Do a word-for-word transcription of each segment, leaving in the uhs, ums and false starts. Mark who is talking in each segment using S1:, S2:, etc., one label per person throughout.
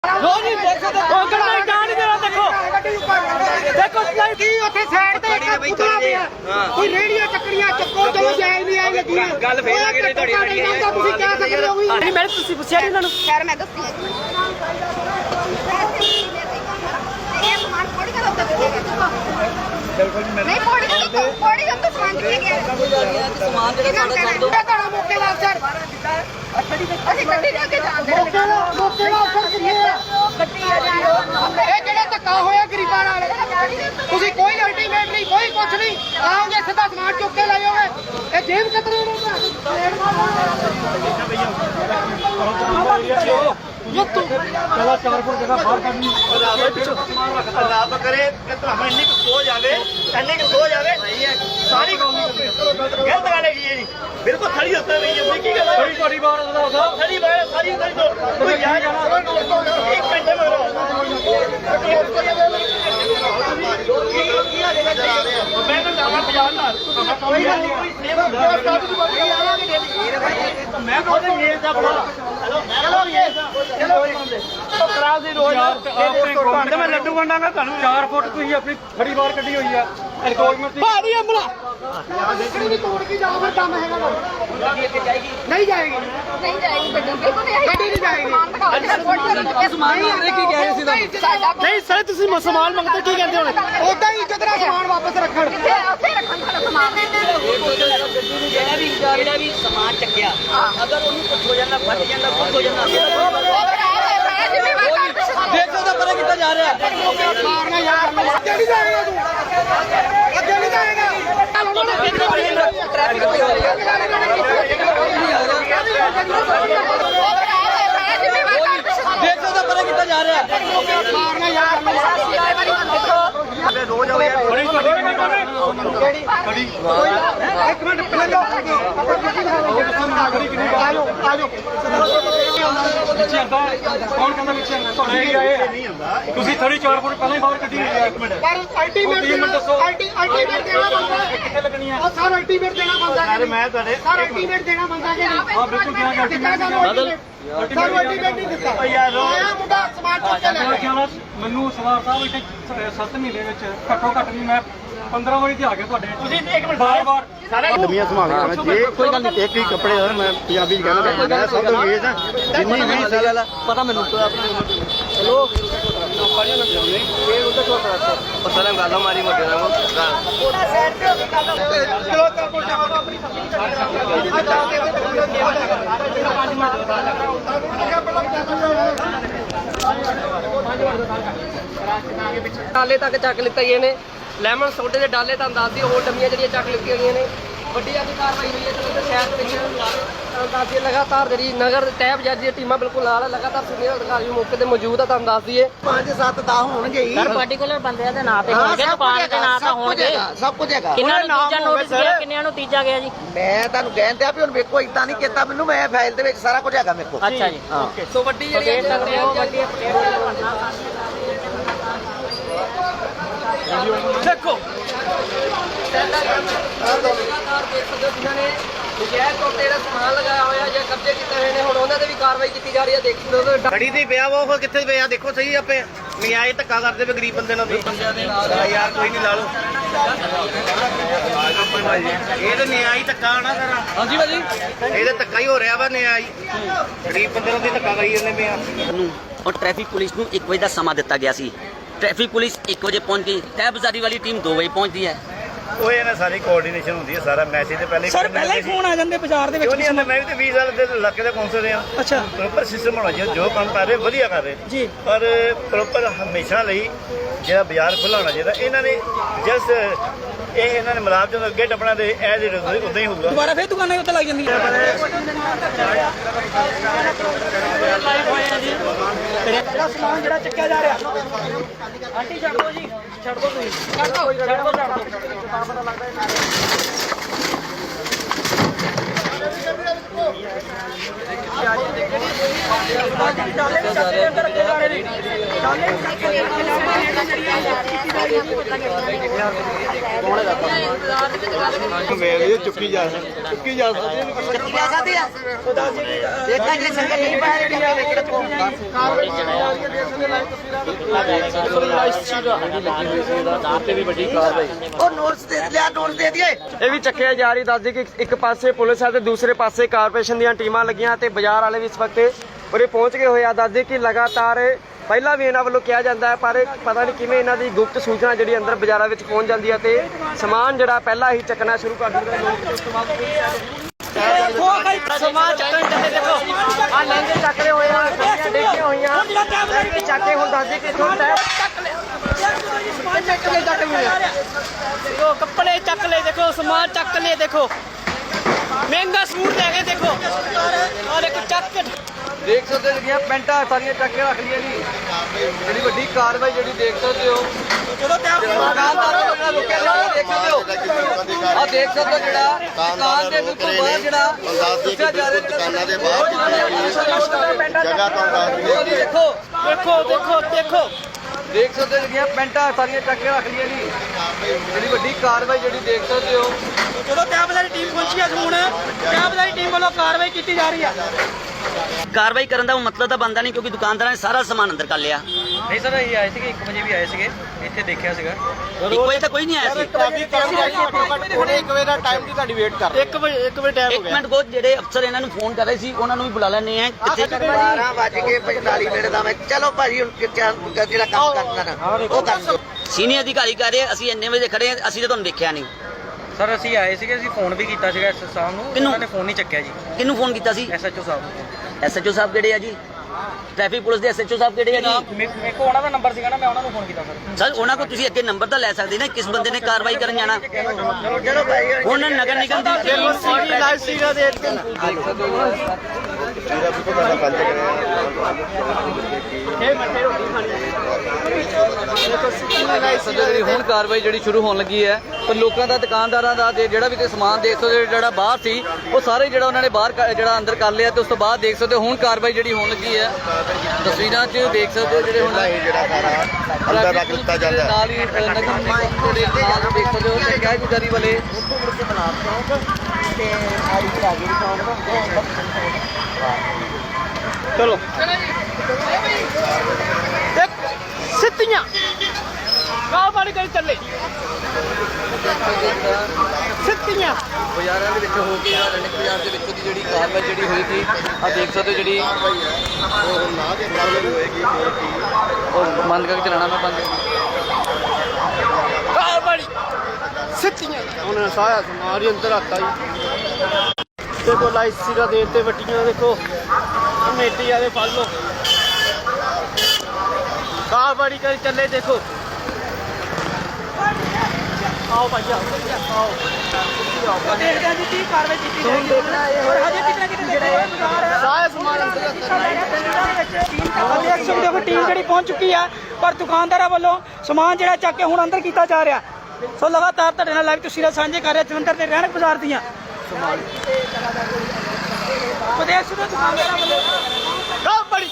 S1: नहीं देख सकते नहीं जान नहीं देना देखो देखो की ਉੱਥੇ ਸਾਈਡ ਤੇ ਇੱਕ ਪੁਤਲਾ ਪਿਆ ਕੋਈ ਰੇੜੀਆਂ ਚੱਕਰੀਆਂ ਚੱਕੋ ਚਲੋ ਜਾਇਜ਼ ਨਹੀਂ ਆਈ ਲੱਗੀ ਗੱਲ ਫੇਰ ਆ ਗਈ ਤੁਹਾਡੀ ਤੁਸੀਂ ਕਹਿ ਸਕਦੇ ਹੋ ਨਹੀਂ ਮੈਂ ਤੁਸੀਂ ਪੁੱਛਿਆ ਨਹੀਂ ਇਹਨਾਂ ਨੂੰ
S2: ਖੈਰ ਮੈਂ ਦੱਸਦੀ ਹਾਂ ਇਹ ਸਮਾਨ ਥੋੜੀ ਕਰ ਉੱਤੇ ਨਹੀਂ ਥੋੜੀ ਕਰ ਥੋੜੀ ਕਰ ਸਮਾਨ ਕਿੱਥੇ ਗਿਆ ਸਮਾਨ ਜਿਹੜਾ ਸਾਡਾ ਕਰ ਦੋ ਤੁਹਾਡਾ ਮੌਕੇ ਦਾ ਅਫਸਰ ਅਸੀਂ ਗੱਡੀ ਲੈ ਕੇ ਜਾਂਦੇ
S1: ਮੌਕੇ ਦਾ ਮੌਕੇ ਦਾ ਅਫਸਰ ਕਿੱਥੇ
S2: ਗੱਡੀ ਆ ਜਾ
S1: ਇਹ ਜਿਹੜਾ ਧੱਕਾ ਹੋਇਆ ਗਰੀਬਾਂ ਨਾਲ ਤੁਸੀਂ ਕੋਈ ਅਲਟੀਮੇਟ ਨਹੀਂ ਕੋਈ ਕੁਛ ਨਹੀਂ ਆਓਗੇ ਸਿੱਧਾ ਸਮਾਨ ਚੁੱਕ ਕੇ ਲੈ ਜਾਓਗੇ ਇਹ ਜੇਬ ਕਤਰੇ ਨੇ ये तो चला चार फुट जगह बाहर करनी
S3: ਰੱਬ ਕਰੇ ਕਿ ਤੁਹਾਨੂੰ ਇੰਨੀ ਕੁ ਸੋਚ ਆਵੇ ਇੰਨੀ ਕੁ ਸੋਚ ਆਵੇ ਸਾਰੀ ਗਲਤ ਗੱਲ ਹੈਗੀ ਹੈ ਜੀ ਬਿਲਕੁਲ ਖੜੀ ਉੱਤੇ ਨਹੀਂ ਹੈ ਕੀ ਗੱਲ
S1: बड़ी बड़ी बात है साहब
S3: ਖੜੀ ਬਾਹਰ ਸਾਰੀ ਖੜੀ ਤੋਂ ਕੋਈ ਯਾਰ ਇੱਕ ਘੰਟੇ ਮਗਰ ਮੈਂ ਤਾਂ ਜਾਵਾਂ ਬਾਜ਼ਾਰ ਨਾਲ ਕੋਈ ਗੱਲ ਨਹੀਂ ਕੋਈ ਸੇਵ ਮੈਂ ਖੁਦ ਮੇਲ ਦਾ ਬਣਾ ਹੈਲੋ ਚਲੋ ਚਲੋ ਕਰਾ ਦੀ ਰੋਜ਼ ਤੇ ਮੈਂ ਲੱਡੂ ਵੰਡਾਂਗਾ ਤੁਹਾਨੂੰ
S1: चार फुट ਤੁਸੀਂ ਆਪਣੀ ਖੜੀ ਬਾਹਰ ਕੱਢੀ ਹੋਈ ਆ ਐਨਕੋਰਜਮੈਂਟ ਦੀ ਭਾਰੀ ਅਮਲਾ ਕਿਹੜੀ ਵੀ ਤੋੜ ਕੇ ਜਾਓ ਫਿਰ ਕੰਮ ਹੈਗਾ ਨਹੀਂ ਜਾਏਗੀ
S2: ਨਹੀਂ ਜਾਏਗੀ ਗੱਡੀ ਬਿਲਕੁਲ ਨਹੀਂ
S1: ਗੱਡੀ ਨਹੀਂ ਜਾਏਗੀ
S2: ਸਮਾਨ ਮੰਗਦੇ ਕੀ ਕਹਿ ਰਹੇ ਸੀ ਸਾਡਾ
S1: ਨਹੀਂ ਸਰ ਤੁਸੀਂ ਸਮਾਨ ਮੰਗਦੇ ਕੀ ਕਹਿੰਦੇ ਹੁਣ ਉਦਾਂ ਹੀ ਇੱਜ਼ਤ ਨਾਲ ਸਮਾਨ ਵਾਪਸ ਰੱਖਣ
S2: ਕਿੱਥੇ ਉੱਥੇ ਰੱਖਣ ਸਾਡਾ ਸਮਾਨ
S4: ਜਿਹੜਾ ਵੀ ਜਿਹੜਾ ਵੀ ਸਮਾਨ ਚੱਕਿਆ ਅਗਰ ਉਹਨੂੰ ਕੁਝ ਹੋ ਜਾਂਦਾ ਫਟ ਜਾਂਦਾ ਕੁਝ ਹੋ ਜਾਂਦਾ
S1: ਦੇਖ ਸਕਦੇ ਪਰੇ ਕਿੱਥੇ ਜਾ ਰਿਹਾ ਮਾਰਨਾ ਯਾਰ ਅੱਗੇ ਨਹੀਂ ਜਾਏਗਾ ਤੂੰ ਅੱਗੇ ਨਹੀਂ ਜਾਏਗਾ
S4: ਟ੍ਰੈਫਿਕ ਹੋ ਰਹੀ ਹੈ
S1: ਦੇਖ ਸਕਦੇ ਪਰੇ ਕਿੱਥੇ ਜਾ ਰਿਹਾ ਮਾਰਨਾ ਯਾਰ
S3: ਰੋਜ਼ ਆਵੇ ਬੜੀ
S1: ਬੜੀ ਇੱਕ ਮਿੰਟ ਪਹਿਲਾਂ ਆਜੋ ਆਜੋ ਪਿੱਛੇ ਆਂਦਾ ਕੌਣ ਕਹਿੰਦਾ ਪਿੱਛੇ ਆਂਦਾ ਤੁਹਾਡੇ ਹੀ ਆਏ ਤੁਸੀਂ ਥੋੜੀ ਚਾਰ ਫੁੱਟ ਪਹਿਲਾਂ ਹੀ ਬਾਹਰ ਕੱਢੀ ਹੋਈ ਹੈ ਇੱਕ ਮਿੰਟ ਪਰ ਅਲਟੀਮੇਟ ਦੇਣਾ ਅਲਟੀ ਅਲਟੀਮੇਟ ਦੇਣਾ ਬੰਦਾ ਕਿੱਥੇ ਲੱਗਣੀ ਆ ਉਹ ਸਰ ਅਲਟੀਮੇਟ ਦੇਣਾ ਬੰਦਾ
S3: ਯਾਰ ਮੈਂ ਤੁਹਾਡੇ
S1: ਸਰ ਅਲਟੀਮੇਟ ਦੇਣਾ ਬੰਦਾ ਕਿ ਨਹੀਂ ਹਾਂ ਬਿਲਕੁਲ ਕਿਹਾ ਗਿਆ ਅਲਟੀਮੇਟ ਅਲਟੀਮੇਟ ਨਹੀਂ ਦਿੱਤਾ
S3: ਯਾਰ
S1: ਆਇਆ ਮੁੰਡਾ ਸਮਾਨ ਚੁੱਕ ਕੇ ਲੈ ਗਿਆ ਮੈਨੂੰ ਸਵਾਰ ਸਾਹਿਬ ਇੱਥੇ ਸੱਤ ਮਹੀਨੇ ਵਿੱਚ ਘੱਟੋ ਘੱਟ ਨਹੀਂ ਮੈਂ ਪੰਦਰਾਂ ਵਾਰੀ ਤੇ ਆ ਗਿਆ ਤੁਹਾਡੇ ਤੁਸੀਂ ਇੱਕ ਮਿੰਟ ਬਾਰ ਬਾਰ
S3: ਸਾਰੇ
S5: ਦੁਨੀਆ ਸੰਭਾਲਣਾ ਮੈਂ ਜੇ ਕੋਈ ਗੱਲ ਨਹੀਂ ਇੱਕ ਹੀ ਕੱਪੜੇ ਦਾ ਮੈਂ ਪੰਜਾਬੀ ਚ ਕਹਿੰਦਾ ਮੈਂ ਸਭ ਤੋਂ ਵੇਚ ਆ ਜਿੰਨੀ ਵੀ ਸਾਲ
S4: ਪਤਾ ਮੈਨੂੰ
S5: ਚਲੋ
S3: ਪਤਾ ਨਾ ਗੱਲ ਮਾਰੀ ਮੋਟੇ ਨਾਲ
S4: ਡਾਲੇ ਤੱਕ ਚੱਕ ਲਿੱਤਾ ਗਏ ਨੇ ਲੈਮਨ ਸੋਡੇ ਦੇ ਡਾਲੇ ਤਾਂ ਦੱਸਦੀ ਹੋਰ ਡੰਮੀਆਂ ਜਿਹੜੀਆਂ ਚੱਕ ਲਿੱਤੀਆਂ ਗਈਆਂ ਨੇ ਵੱਡੀ ਅੱਜ ਕਾਰਵਾਈ ਹੋਈ ਹੈ ਤੇ ਸ਼ਹਿਰ ਦੇ ਵਿੱਚ ਦੱਸਦੀ ਲਗਾਤਾਰ ਜਿਹੜੀ ਨਗਰ ਤਹਿਬ ਜੱਜ ਦੀਆਂ ਟੀਮਾਂ ਬਿਲਕੁਲ ਨਾਲ ਲਗਾਤਾਰ ਸੀਨੀਅਰ ਅਧਿਕਾਰੀ ਮੌਕੇ ਤੇ ਮੌਜੂਦ ਆ ਤੁਹਾਨੂੰ ਦੱਸਦੀ ਹੈ
S5: ਪੰਜ ਸੱਤ ਦਸ ਹੋਣਗੇ ਹੀ
S4: ਸਰ ਪਾਰਟਿਕੂਲਰ ਬੰਦਿਆਂ ਦੇ ਨਾਂ ਤੇ ਹੋਣਗੇ ਦੁਕਾਨ ਦੇ ਨਾਂ ਤਾਂ ਹੋਣਗੇ
S5: ਸਭ ਕੁਝ ਹੈਗਾ
S4: ਕਿੰਨਾਂ ਨੂੰ ਤੀਜਾ ਨੋਟਿਸ ਗਿਆ ਕਿੰਨਿਆਂ ਨੂੰ ਤੀਜਾ ਗਿਆ ਜੀ
S5: ਮੈਂ ਤੁਹਾਨੂੰ ਕਹਿੰਦੇ ਆ ਵੀ ਹੁਣ ਵੇਖੋ ਇਦਾਂ ਨਹੀਂ ਕੀਤਾ ਮੈਨੂੰ ਮੈਂ ਫਾਈਲ ਦੇ ਵਿੱਚ ਸਾਰਾ ਕੁਝ ਹੈਗਾ ਮੇਰੇ ਕੋਲ
S4: ਅੱਛਾ ਜੀ
S5: ਓਕੇ
S4: ਸੋ ਵੱਡੀ ਜਿਹੜੀ ਸਕਦੇ ਹੋ ਵੱਡੀ
S1: ਦੇਖੋ
S4: ਜਿਨ੍ਹਾਂ ਨੇ ਨਜਾਇਜ਼ ਤੌਰ ਤੇ ਜਿਹੜਾ ਸਮਾਨ ਲਗਾਇਆ ਹੋਇਆ ਜਾਂ ਕਬਜ਼ੇ ਕੀਤੇ ਹੋਏ ਨੇ ਹੁਣ ਉਹਨਾਂ ਤੇ ਵੀ ਕਾਰਵਾਈ ਕੀਤੀ ਜਾ ਰਹੀ ਹੈ ਦੇਖੀ
S3: ਖੜੀ ਤੇ ਪਿਆ ਵਾ ਉਹ ਕਿੱਥੇ ਪਿਆ ਦੇਖੋ ਸਹੀ ਆਪੇ ਨਿਆਏ ਧੱਕਾ ਕਰਦੇ ਪਏ ਗਰੀਬ ਬੰਦੇ ਨਾਲ ਯਾਰ ਕੋਈ ਨਹੀਂ ਲਾ ਲਓ ਇਹ ਤਾਂ ਨਿਆਈ ਧੱਕਾ ਨਾ ਸਰ
S4: ਹਾਂਜੀ ਭਾਜੀ
S3: ਇਹ ਤਾਂ ਧੱਕਾ ਹੀ ਹੋ ਰਿਹਾ ਵਾ ਨਿਆਈ ਗਰੀਬ ਬੰਦੇ ਨਾਲ ਵੀ ਧੱਕਾ ਕਰੀ ਜਾਂਦੇ ਪਏ ਆ
S6: ਨੂੰ ਔਰ ਟ੍ਰੈਫਿਕ ਪੁਲਿਸ ਨੂੰ ਇੱਕ ਵਜੇ ਦਾ ਸਮਾਂ ਦਿੱਤਾ ਗਿਆ ਸੀ ਟ੍ਰੈਫਿਕ ਪੁਲਿਸ ਇੱਕ ਵਜੇ ਪਹੁੰਚ ਗਈ ਤਹਿਬਜ਼ਾਰੀ ਵਾਲੀ ਟੀਮ ਦੋ ਵਜੇ ਪਹੁੰਚਦੀ ਹੈ
S3: ਉਹ ਇਹਨਾਂ ਸਾਰੀ ਕੋਆਰਡੀਨੇਸ਼ਨ ਹੁੰਦੀ ਹੈ ਸਾਰਾ ਮੈਸੇਜ ਤੇ ਪਹਿਲੇ
S1: ਸਰ ਪਹਿਲਾਂ ਹੀ ਫੋਨ ਆ ਜਾਂਦੇ ਬਾਜ਼ਾਰ ਦੇ
S3: ਕਿਉਂ
S1: ਵਿੱਚ
S3: ਨਹੀਂ ਆਉਂਦੇ ਮੈਂ ਵੀ ਤੇ ਵੀਹ ਸਾਲ ਦੇ ਇਲਾਕੇ ਦਾ ਕੌਂਸਲ ਰਿਹਾ
S1: ਅੱਛਾ
S3: ਪ੍ਰੋਪਰ ਸਿਸਟਮ ਹੋਣਾ ਚਾਹੀਦਾ ਜੋ ਕੰਮ ਕਰ ਰਹੇ ਵਧੀਆ ਕਰ ਰਹੇ
S1: ਜੀ
S3: ਪਰ ਪ੍ਰੋਪਰ ਹਮੇਸ਼ਾ ਲਈ ਜਿਹੜਾ ਬਾਜ਼ਾਰ ਖੁੱਲ੍ਹਾ ਹੋਣਾ ਚਾਹੀਦਾ ਇਹਨਾਂ ਨੇ ਜਸਟ ਇਹ ਇਹਨਾਂ ਨੇ ਮਲਾਬ ਜਦੋਂ ਅੱਗੇ ਟੱਪਣਾ ਤੇ ਇਹ ਜਿਹੜੇ ਉਦਾਂ ਹੀ ਹੋਊਗਾ
S1: ਦੁਬਾਰਾ ਫੇਰ ਦੁਕਾਨਾਂ ਉੱਤੇ ਲੱਗ ਜਾਂਦੀਆਂ ਤੇਰਾ ਸਮਾਨ ਜਿਹੜਾ ਚੱਕਿਆ ਜਾ ਰਿਹਾ ਆਂਟੀ ਛੱਡ ਦੋ ਜੀ ਛੱਡ ਦੋ ਤੁਸੀਂ ਛੱਡ ਦੋ ਛੱਡ ਦੋ ਛੱਡ ਦੋ ਪਤਾ ਲੱਗਦਾ ਡਾਲੇ ਡਾਲੇ ਅੰਦਰ ਰੱਖੇ ਜਾ ਰਹੇ ਨੇ ਡਾਲੇ
S5: ਵੇਲੇ ਚੁੱਕੀ ਜਾ ਚੁੱਕੀ ਜਾ ਸਕਦੀ
S3: ਜਾ ਸਕਦੀ ਆ ਦੇਖਾਂ ਜੇ ਸੰਗਤ ਨਹੀਂ ਪਾਇਆ ਜਿਹੜੀਆਂ ਵੇਖੇ ਤੋਂ ਉਹ ਨੋਟਸ ਦੇ ਲਿਆ ਨੋਟਸ ਦੇ ਦਈਏ
S4: ਇਹ ਵੀ ਚੱਕਿਆ ਜਾ ਰਹੀ। ਦੱਸ ਦੇ ਕਿ ਇੱਕ ਪਾਸੇ ਪੁਲਿਸ ਹੈ ਤੇ ਦੂਸਰੇ ਪਾਸੇ ਕਾਰਪੋਰੇਸ਼ਨ ਦੀਆਂ ਟੀਮਾਂ ਲੱਗੀਆਂ ਤੇ ਬਾਜ਼ਾਰ ਵਾਲੇ ਵੀ ਇਸ ਵਕਤ ਉਰੇ ਪਹੁੰਚ ਗਏ ਹੋਏ ਆ। ਦੱਸ ਦੇ ਕਿ ਲਗਾਤਾਰ ਪਹਿਲਾਂ ਵੀ ਇਹਨਾਂ ਵੱਲੋਂ ਕਿਹਾ ਜਾਂਦਾ ਹੈ ਪਰ ਪਤਾ ਨਹੀਂ ਕਿਵੇਂ ਇਹਨਾਂ ਦੀ ਗੁਪਤ ਸੂਚਨਾ ਜਿਹੜੀ ਅੰਦਰ ਬਾਜ਼ਾਰਾਂ ਵਿੱਚ ਪਹੁੰਚ ਜਾਂਦੀ ਹੈ ਤੇ ਸਮਾਨ ਜਿਹੜਾ ਪਹਿਲਾਂ ਹੀ ਚੱਕਣਾ ਸ਼ੁਰੂ ਕਰ ਦਿੰਦੇ ਨੇ। ਸਮਾਨ ਚੱਕਣ ਚੱਲੇ ਦੇਖੋ ਆ ਲਹਿੰਗੇ ਚੱਕਦੇ ਹੋਏ ਆ, ਗੱਡੀਆਂ ਡੇਗੀਆਂ ਹੋਈਆਂ ਚੱਕ ਕੇ ਹੁਣ ਦੱਸ ਦੇ ਕਿ ਇੱਥੋਂ ਤੱਕ ਚੱਕ ਲੈ ਚੱਕ ਲੈ ਦੇਖੋ ਕੱਪੜੇ ਚੱਕ ਲੈ ਦੇਖੋ ਸਮਾਨ ਚੱਕ ਲੈ ਦੇਖੋ ਮਹਿੰਗਾ ਸੂਟ ਲੈ ਕੇ ਦੇਖੋ ਔਰ ਇੱਕ ਚੱਕ ਦੇਖ ਸਕਦੇ ਹੋ ਜਿਹੜੀਆਂ ਪੈਂਟਾਂ ਸਾਰੀਆਂ ਚੱਕ ਕੇ ਰੱਖ ਲਈਆਂ ਜੀ। ਜਿਹੜੀ ਵੱਡੀ ਕਾਰਵਾਈ ਜਿਹੜੀ ਦੇਖ ਸਕਦੇ ਹੋ ਚਲੋ ਦੁਕਾਨਦਾਰਾਂ ਨੂੰ ਜਿਹੜਾ ਰੁਕਿਆ ਜਿਹੜਾ ਦੇਖ ਸਕਦੇ ਹੋ ਆ ਦੇਖ ਸਕਦੇ ਹੋ ਜਿਹੜਾ ਦੁਕਾਨ ਦੇ ਬਿਲਕੁਲ ਬਾਹਰ ਜਿਹੜਾ ਦੱਸਿਆ ਜਾ ਰਿਹਾ
S5: ਦੁਕਾਨਾਂ ਦੇ ਬਾਹਰ ਜਗ੍ਹਾ ਤੋਂ ਦੱਸ
S4: ਦੇਖੋ ਦੇਖੋ ਦੇਖੋ ਦੇਖੋ ਦੇਖ ਸਕਦੇ ਹੋ ਜਿਹੜੀਆਂ ਪੈਂਟਾਂ ਸਾਰੀਆਂ ਚੱਕ ਕੇ ਰੱਖ ਲਈਆਂ ਜੀ। ਜਿਹੜੀ ਵੱਡੀ ਕਾਰਵਾਈ ਜਿਹੜੀ ਦੇਖ ਸਕਦੇ ਹੋ
S1: ਚਲੋ ਕੈਬਲਾਰੀ ਟੀਮ ਪਹੁੰਚੀ ਹੈ ਹੁਣ ਕੈਬਲਾਰੀ ਟੀਮ ਵੱਲੋਂ ਕਾਰਵਾਈ ਕੀਤੀ ਜਾ ਰਹੀ ਹੈ।
S6: ਕਾਰਵਾਈ ਕਰਨ ਦਾ ਮਤਲਬ ਤਾਂ ਬਣਦਾ ਨਹੀਂ ਕਿਉਂਕਿ ਦੁਕਾਨਦਾਰਾਂ ਨੇ ਸਾਰਾ ਸਮਾਨ ਅੰਦਰ ਕਰ ਲਿਆ।
S7: ਨਹੀਂ ਸਰ ਇਹ ਆਏ ਸੀਗੇ ਇੱਕ ਵਜੇ ਵੀ ਆਏ ਸੀਗੇ ਇੱਥੇ ਦੇਖਿਆ ਸੀਗਾ
S6: ਇੱਕ ਵਜੇ ਤਾਂ ਕੋਈ ਨਹੀਂ ਆਇਆ ਸੀ।
S5: ਉਹਨੇ ਇੱਕ ਵਜੇ ਦਾ ਟਾਈਮ ਦੀ ਤੁਹਾਡੀ ਵੇਟ ਕਰ
S1: ਇੱਕ ਵਜੇ ਇੱਕ ਵਜੇ ਟਾਈਮ
S6: ਇੱਕ ਮਿੰਟ ਕੋ ਜਿਹੜੇ ਅਫਸਰ ਇਹਨਾਂ ਨੂੰ ਫੋਨ ਕਰ ਰਹੇ ਸੀ ਉਹਨਾਂ ਨੂੰ ਵੀ ਬੁਲਾ ਲੈਣੇ ਆ ਕਿੱਥੇ
S3: ਬਾਰਾਂ ਵੱਜ ਕੇ ਪੰਤਾਲੀ ਮਿੰਟ ਦਾ ਮੈਂ ਚਲੋ ਭਾਜੀ ਹੁਣ ਜਿਹੜਾ ਕੰਮ ਕਰਨਾ ਨਾ ਉਹ ਕਰ ਲਓ
S6: ਸੀਨੀਅਰ ਅਧਿਕਾਰੀ ਕਹਿ ਰਹੇ ਅਸੀਂ ਇੰਨੇ ਵਜੇ ਖੜੇ ਹਾਂ ਅਸੀਂ ਤਾਂ ਤੁਹਾਨੂੰ ਦੇਖਿਆ ਨਹੀਂ।
S7: ਸਰ ਅਸੀਂ ਆਏ ਸੀਗੇ ਅਸੀਂ ਫੋਨ ਵੀ ਕੀਤਾ ਸੀਗਾ ਐਸ ਸਾਹਿਬ ਨੂੰ
S6: ਕਿਹਨੂੰ?
S7: ਉਹਨਾਂ ਨੇ ਫੋਨ ਨਹੀਂ ਚੱਕਿਆ ਜੀ
S6: ਕਿਹਨੂੰ ਫੋਨ ਕੀਤਾ ਸੀ?
S7: ਐਸਐਚਓ ਸਾਹਿਬ ਨੂੰ।
S6: ਐਸਐਚਓ ਸਾਹਿਬ ਕਿਹੜੇ ਆ ਜੀ? ਟ੍ਰੈਫਿਕ ਪੁਲਿਸ ਦੇ ਐਸਐਚਓ ਸਾਹਿਬ ਕਿਹੜੇ ਆ ਜੀ?
S7: ਮੇ- ਮੇਰੇ ਕੋਲ ਉਹਨਾਂ ਦਾ ਨੰਬਰ ਸੀਗਾ ਨਾ ਮੈਂ ਉਹਨਾਂ ਨੂੰ ਫੋਨ ਕੀਤਾ ਸਰ।
S6: ਸਰ ਉਹਨਾਂ ਕੋਲ ਤੁਸੀਂ ਅੱਗੇ ਨੰਬਰ ਤਾਂ ਲੈ ਸਕਦੇ ਨਾ ਕਿਸ ਬੰਦੇ ਨੇ ਕਾਰਵਾਈ ਕਰਨ ਜਾਣਾ।
S3: ਚਲੋ ਭਾਈ
S6: ਹੁਣ ਨਗਰ ਨਿਗਮ ਦੀ
S1: ਲਾਈਵ ਸੀਗਾ ਦੇ
S4: ਜਿਹੜੀ ਹੁਣ ਕਾਰਵਾਈ ਜਿਹੜੀ ਸ਼ੁਰੂ ਹੋਣ ਲੱਗੀ ਹੈ ਪਰ ਲੋਕਾਂ ਦਾ ਦੁਕਾਨਦਾਰਾਂ ਦਾ ਜੇ ਜਿਹੜਾ ਵੀ ਕੋਈ ਸਮਾਨ ਦੇਖ ਸਕਦੇ ਹੋ ਜਿਹੜਾ ਬਾਹਰ ਸੀ ਉਹ ਸਾਰੇ ਜਿਹੜਾ ਉਹਨਾਂ ਨੇ ਬਾਹਰ ਕ- ਜਿਹੜਾ ਅੰਦਰ ਕਰ ਲਿਆ ਤੇ ਉਸ ਤੋਂ ਬਾਅਦ ਦੇਖ ਸਕਦੇ ਹੋ ਹੁਣ ਕਾਰਵਾਈ ਜਿਹੜੀ ਹੋਣ ਲੱਗੀ ਹੈ। ਤਸਵੀਰਾਂ 'ਚ ਦੇਖ ਸਕਦੇ ਹੋ ਜਿਹੜੇ ਹੁਣ
S5: ਜਿਹੜਾ ਸਾਰਾ ਅੰਦਰ ਰੱਖ ਦਿੱਤਾ ਜਾਂਦਾ ਹੈ।
S4: ਨਾਲ ਹੀ ਅ, ਨਗਰ ਨਿਗਮ ਦੇ ਨਾਲ ਦੇਖ ਸਕਦੇ ਹੋ ਤੇ ਕਾਰਗੁਜ਼ਾਰੀ ਵਾਲੇ
S1: ਚਲੋ ਸਿੱਧੀਆਂ ਗਾਹ ਵਾਲੀ ਕਰੀ ਚੱਲੇ ਸਿੱਧੀਆਂ
S4: ਬਾਜ਼ਾਰਾਂ ਦੇ ਵਿੱਚ ਹੋ ਕੇ ਰਣਕ ਬਾਜ਼ਾਰ ਦੇ ਵਿੱਚ ਦੀ ਜਿਹੜੀ ਕਾਰਵਾਈ ਜਿਹੜੀ ਹੋਈ ਸੀ ਆ ਦੇਖ ਸਕਦੇ ਹੋ ਜਿਹੜੀ
S5: ਉਹ ਨਾ ਦੇ ਕਾਰਵਾਈ ਹੋਏਗੀ
S4: ਉਹ ਬੰਦ ਕਰਕੇ ਚਲਾਣਾ ਮੈਂ ਬੰਦ
S1: ਗਾਹ ਵਾਲੀ ਸਿੱਧੀਆਂ
S5: ਉਹਨੇ ਸਾਰਾ ਸਮਾਨ ਹੀ ਅੰਦਰ ਰੱਖਤਾ ਜੀ।
S1: ਦੇਖੋ ਲਾਈਟ ਸੀਗਾ ਦੇ ਤੇ ਵੱਟੀਆਂ ਦੇਖੋ ਕਮੇਟੀ ਵਾਲੇ ਫੜ ਲਓ ਗਾਹ ਵਾਲੀ ਕਰੀ ਚੱਲੇ ਦੇਖੋ ਆਓ ਭਾਈ ਆਓ ਆਓ ਦੇਖਦੇ ਹਾਂ ਜੀ ਕੀ ਕਾਰਵਾਈ ਕੀਤੀ ਜਾਏਗੀ ਔਰ ਹਜੇ ਕਿਤੇ ਕਿਤੇ ਸਾਰਾ ਸਮਾਨ ਅੰਦਰ ਦੇਖ ਸਕਦੇ ਹੋ ਕਿ ਟੀਮ ਜਿਹੜੀ ਪਹੁੰਚ ਚੁੱਕੀ ਹੈ ਪਰ ਦੁਕਾਨਦਾਰਾਂ ਵੱਲੋਂ ਸਮਾਨ ਜਿਹੜਾ ਚੱਕ ਕੇ ਹੁਣ ਅੰਦਰ ਕੀਤਾ ਜਾ ਰਿਹਾ ਸੋ ਲਗਾਤਾਰ ਤੁਹਾਡੇ ਨਾਲ ਲਾਈਵ ਤਸਵੀਰਾਂ ਸਾਂਝੇ ਕਰ ਰਹੇ ਜਲੰਧਰ ਦੇ ਰਹਿਣਕ ਬਾਜ਼ਾਰ ਦੀਆਂ ਪ੍ਰਦੇਸ਼ ਦੇ ਦੁਕਾਨਦਾਰਾਂ ਵੱਲੋਂ ਗਾਹ ਬੜੀ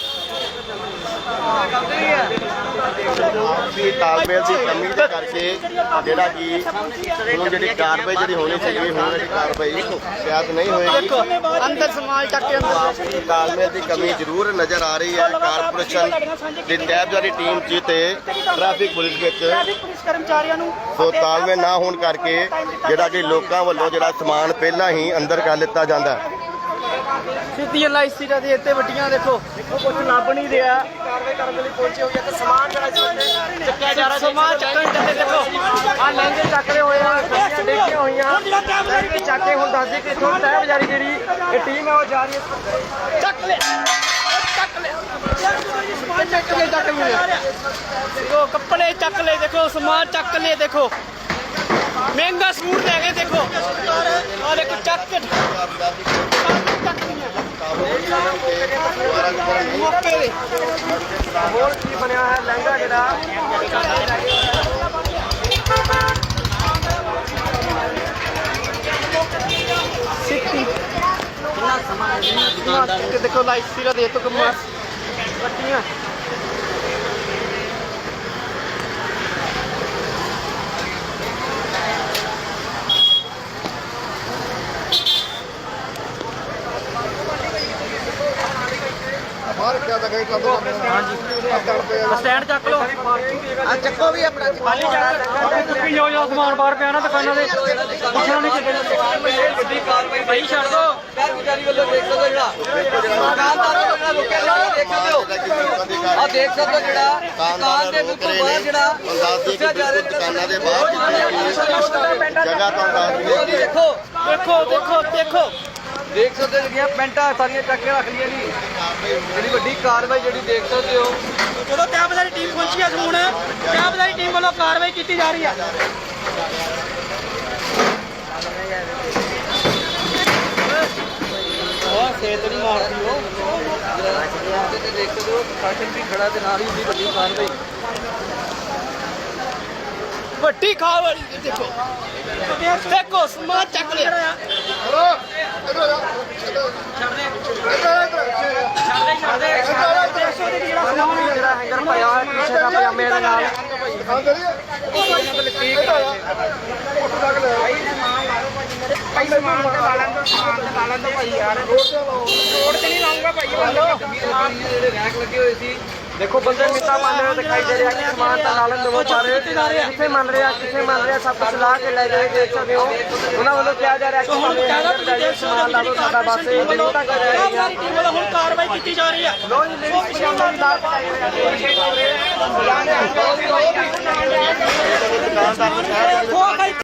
S5: ਆਪਸੀ ਤਾਲਮੇਲ ਦੀ ਕਮੀ ਦੇ ਕਰਕੇ ਜਿਹੜਾ ਕਿ ਹੁਣ ਜਿਹੜੀ ਕਾਰਵਾਈ ਜਿਹੜੀ ਹੋਣੀ ਚਾਹੀਦੀ ਹੁਣ ਜਿਹੜੀ ਕਾਰਵਾਈ ਸ਼ਾਇਦ ਨਹੀਂ ਹੋਏਗੀ।
S1: ਅੰਦਰ ਸਮਾਨ ਚੱਕ ਕੇ ਅੰਦਰ
S5: ਆਪਸੀ ਤਾਲਮੇਲ ਦੀ ਕਮੀ ਜ਼ਰੂਰ ਨਜ਼ਰ ਆ ਰਹੀ ਹੈ। ਕਾਰਪੋਰੇਸ਼ਨ ਦੀ ਤਹਿਬਜ਼ਾਰੀ ਟੀਮ ਚ ਤੇ ਟ੍ਰੈਫਿਕ ਪੁਲਿਸ ਵਿੱਚ
S1: ਟ੍ਰੈਫਿਕ ਪੁਲਿਸ ਕਰਮਚਾਰੀਆਂ ਨੂੰ
S5: ਸੋ ਤਾਲਮੇਲ ਨਾ ਹੋਣ ਕਰਕੇ ਜਿਹੜਾ ਕਿ ਲੋਕਾਂ ਵੱਲੋਂ ਜਿਹੜਾ ਸਮਾਨ ਪਹਿਲਾਂ ਹੀ ਅੰਦਰ ਕਰ ਲਿੱਤਾ ਜਾਂਦਾ ਹੈ।
S1: ਸਿੱਧੀਆਂ ਲਾਈਟ ਸੀਟਾਂ ਦੇ ਉੱਤੇ ਵੱਟੀਆਂ ਦੇਖੋ ਕੁਝ ਲੱਭ ਨਹੀਂ ਰਿਹਾ ਕਾਰਵਾਈ ਕਰਨ ਲਈ ਪਹੁੰਚੇ ਹੋਏ ਆ ਤੇ ਸਮਾਨ ਜਿਹੜਾ ਇਸ ਚੱਕਿਆ ਜਾ ਰਿਹਾ ਸਮਾਨ ਚੱਕਣ ਚੱਲੇ ਦੇਖੋ ਆ ਲਹਿੰਗੇ ਚੱਕਦੇ ਹੋਏ ਆ ਗੱਡੀਆਂ ਡੇਗੀਆਂ ਹੋਈਆਂ ਚੱਕ ਕੇ ਹੁਣ ਦੱਸਦੇ ਕਿ ਇੱਥੋਂ ਤਹਿ ਬਜ਼ਾਰੀ ਜਿਹੜੀ ਇਹ ਟੀਮ ਹੈ ਉਹ ਜਾ ਰਹੀ ਹੈ ਚੱਕ ਲੈ ਚੱਕ ਲੈ ਸਮਾਨ ਚੱਕ ਲੈ ਚੱਕ ਲੈ ਦੇਖੋ ਕੱਪੜੇ ਚੱਕ ਲੈ ਦੇਖੋ ਸਮਾਨ ਚੱਕ ਲੈ ਦੇਖੋ ਮਹਿੰਗਾ ਸੂਟ ਲੈ ਕੇ ਦੇਖੋ ਔਰ ਇੱਕ ਚੱਕ ਮੌਕੇ ਦੇ ਹੋਰ ਕੀ ਬਣਿਆ ਹੈ ਲਹਿੰਗਾ ਜਿਹੜਾ ਸਿੱਧੀ
S6: ਕਿੰਨਾ ਸਮਾਨ ਇਹਨਾਂ ਦੁਕਾਨਦਾਰ
S1: ਕਿ ਦੇਖੋ ਲਾਈਟ ਸੀਗਾ ਦੇ ਤੋਂ ਕਮਾ ਵੱਟੀਆਂ
S7: ਸਟੈਂਡ ਚੱਕ ਲਓ
S1: ਆ ਚੱਕੋ ਵੀ ਆਪਣਾ
S7: ਖਾਲੀ ਚੱਕ ਚੁੱਕੀ ਜੋ ਜੋ ਸਮਾਨ ਬਾਹਰ ਪਿਆ ਨਾ ਦੁਕਾਨਾਂ ਦੇ ਪੁੱਛਣਾ ਨਹੀਂ ਕਿਤੇ ਵੱਡੀ ਕਾਰਵਾਈ ਭਾਈ ਛੱਡ ਦੋ
S4: ਕਰਮਚਾਰੀ ਵੱਲੋਂ ਦੇਖ ਸਕਦੇ ਹੋ ਜਿਹੜਾ ਦੁਕਾਨਦਾਰ ਵੱਲੋਂ ਜਿਹੜਾ ਰੁਕਿਆ ਜਿਹੜਾ ਦੇਖ ਸਕਦੇ ਹੋ ਆ ਦੇਖ ਸਕਦੇ ਹੋ ਜਿਹੜਾ ਦੁਕਾਨ ਦੇ ਬਿਲਕੁਲ ਬਾਹਰ ਜਿਹੜਾ ਦੱਸਿਆ ਜਾ ਰਿਹਾ
S5: ਦੁਕਾਨਾਂ ਦੇ ਬਾਹਰ ਜਗ੍ਹਾ ਤੋਂ ਦੱਸ
S4: ਉਹ
S5: ਦਈਏ
S4: ਦੇਖੋ
S7: ਦੇਖੋ ਦੇਖੋ ਦੇਖੋ
S4: ਦੇਖ ਸਕਦੇ ਹੋ ਜਿਹੜੀਆਂ ਪੈਂਟਾਂ ਸਾਰੀਆਂ ਚੱਕ ਕੇ ਰੱਖ ਲਈਆਂ ਜੀ ਜਿਹੜੀ ਵੱਡੀ ਕਾਰਵਾਈ ਜਿਹੜੀ ਦੇਖ ਸਕਦੇ ਹੋ
S1: ਜਦੋਂ ਤੈਬਜ਼ਾਰੀ ਟੀਮ ਪਹੁੰਚੀ ਹੈ ਹੁਣ ਤੈਬਜ਼ਾਰੀ ਟੀਮ ਵੱਲੋਂ ਕਾਰਵਾਈ ਕੀਤੀ ਜਾ ਰਹੀ ਹੈ
S4: ਉਹ ਸੇਤ ਨਹੀਂ ਮਾਰਦੀ ਉਹ ਤੇ ਦੇਖ ਸਕਦੇ ਹੋ ਪ੍ਰਸ਼ਾਸਨ ਵੀ ਖੜਾ ਤੇ ਨਾਲ ਹੀ ਉਹਦੀ ਵੱਡੀ ਕਾਰਵਾਈ
S1: ਵੱਡੀ ਕਾਰਵਾਈ ਦੇਖੋ ਦੇਖੋ ਸਮਾਨ ਚੱਕ ਲਿਆ
S4: ਜਿਹੜਾ ਹੈਂਗਰ ਪਾਇਆ ਹੋਇਆ ਟੀ-ਸ਼ਰਟ ਦਾ ਪਜਾਮੇ ਦੇ ਨਾਲ ਜਿਹੜੇ ਰੈਕ ਲੱਗੇ ਹੋਏ ਸੀ ਦੇਖੋ ਬੰਦੇ ਮਿੱਟਾ ਮੰਨ ਰਹੇ ਦਿਖਾਈ ਦੇ ਰਿਹਾ ਕਿ ਸਮਾਨ ਤਾਂ ਨਾਲਨ ਦਵੋ ਸਾਰੇ ਕਿੱਥੇ ਮੰਨ ਰਿਹਾ ਕਿੱਥੇ ਮੰਨ ਰਿਹਾ ਸਭ ਕੁਝ ਲਾ ਕੇ ਲੈ ਗਏ ਦੇਖ ਸਕਦੇ ਹੋ ਉਹਨਾਂ ਵੱਲੋਂ ਕਿਹਾ ਜਾ ਰਿਹਾ ਕਿ
S1: ਹੁਣ ਜਿਆਦਾ ਤੁਸੀਂ ਦੇਖ
S4: ਸਮਾਨ ਲਾ ਦਿਓ ਸਾਡਾ ਬਸ ਇਹ ਨਹੀਂ ਤਾਂ ਕਰ ਰਿਹਾ
S1: ਤੈਬਜ਼ਾਰੀ ਟੀਮ ਵੱਲੋਂ ਹੁਣ ਕਾਰਵਾਈ ਕੀਤੀ ਜਾ ਰਹੀ ਹੈ
S4: ਲੋ ਜੀ ਲੇਡੀ ਪਜਾਮੇ ਵੀ ਲਾ ਕੇ
S1: ਦੁਕਾਨਦਾਰ ਨੂੰ